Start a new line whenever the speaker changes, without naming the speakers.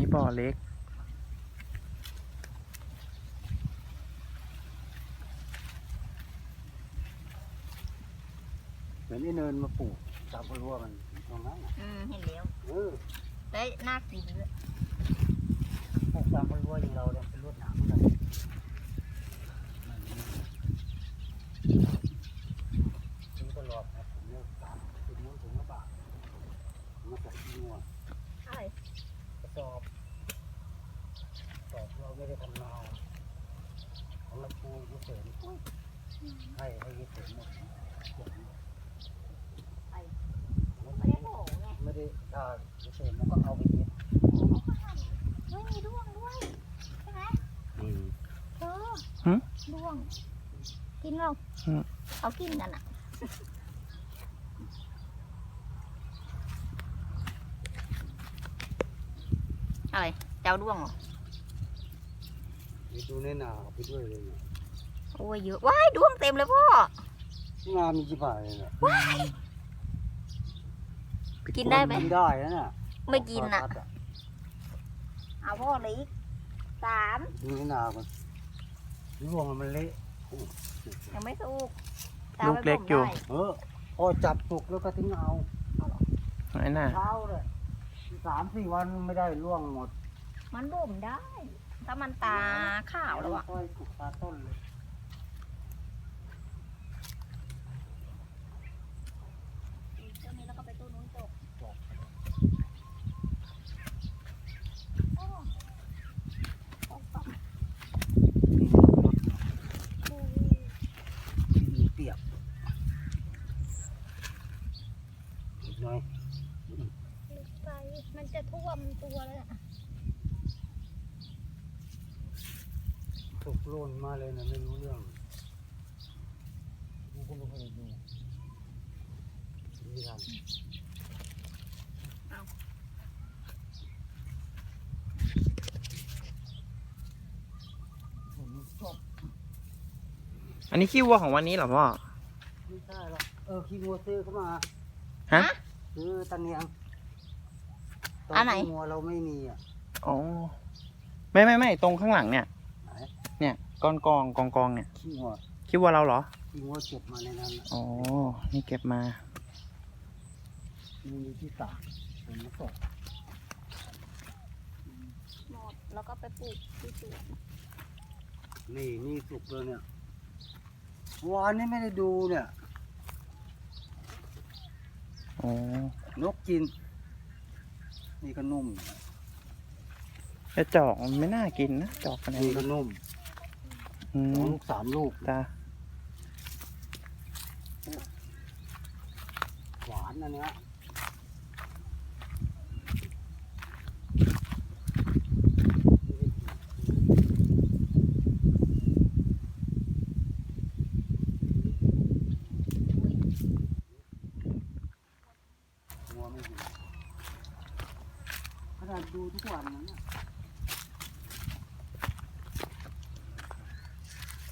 บ่อเล็ก
เหมือนไอ้เนินมาปลูกตามรั้วมันตรงนั้น
เห็นแล้วได้น่ากินด้วย
ปลูกตามรั้วอย่างเราเนี่ยเป็นรวดหนามเหมือนกันซื้อตลอดนะผมเนี่ย30 ถึงถุงละบาทมาจากที่งัว
ใช่
กระสอบเราไม่ได้ทำนาของเราปูยุเสริมให้ยุเสริมหมด
ไม่ได้โหไง
ไม่ได้ถ้ายุเสริมมันก็เอาไปเย็บ
ไม่มีด้วงด้วยใช่ไหมด้วงกินเราเขากินกันอ่ะอะไรเจ้าด้วงเหรอ
ดูในนาไปด้วยเลยเนี่ย
โอ้ยเยอะว้ายด้วงเต็มเลยพ่อ
นามีกี่บาทเลยเนี่ย
ว้ายกินได้ไหม
กินได้นะเนี่ย
ไม่กินอ่ะเอาพ่อเลย3
ดูในนามันร่วงมันเละ
ยังไม่สุก
ลูกเล็กอยู่
พอจับสุกแล้วก็ทิ้งเอา
ไอ้น่ะ
เช้าเลย3-4 วันไม่ได้ร่วงหมด
มันบ่มได้ถ้ามันตาขาวแล้วอ่ะ
ค่อยสุกตาต้นเลย
ต้นนี้แล้วก็ไปต้นนู้นจบ
เปียกนิดหน่อย
ไปมันจะท่วมตัวเลยอ่ะ
ตกโลนมาเลยนะไม่รู้เรื่องกูก็ไม่เคยดูนี่ทำ
อันนี้ขี้วัวของวันนี้เหรอพ่อ
ไม่ใช่หรอกขี้วัวซื้อเข้ามา
ฮะ
ซื้อตะเนียงตอนขี้วัวเราไม่มีอ่ะ
อ๋อไม่ตรงข้างหลังเนี่ยเนี่ยกองเนี่ยขี้วัวเราเหรอ
ขี้วัวเก็บมาในนั้น
อ๋อนี่เก็บมา
มีที่ตากเป็นมะกอก
หมดแล้วก็ไปปลูกที่สวน
นี่สุกเลยเนี่ยวานนี้ไม่ได้ดูเนี่ย
อ๋อน
กกินนี่ก็นุ่ม
แต่จอกมันไม่น่ากินนะจอกอะไร
นี่ก็นุ่มลูก3 ลูก
จ้า
หวานอันเนี้ยงัวไม่ดีขนาดดูทุกวันนั้น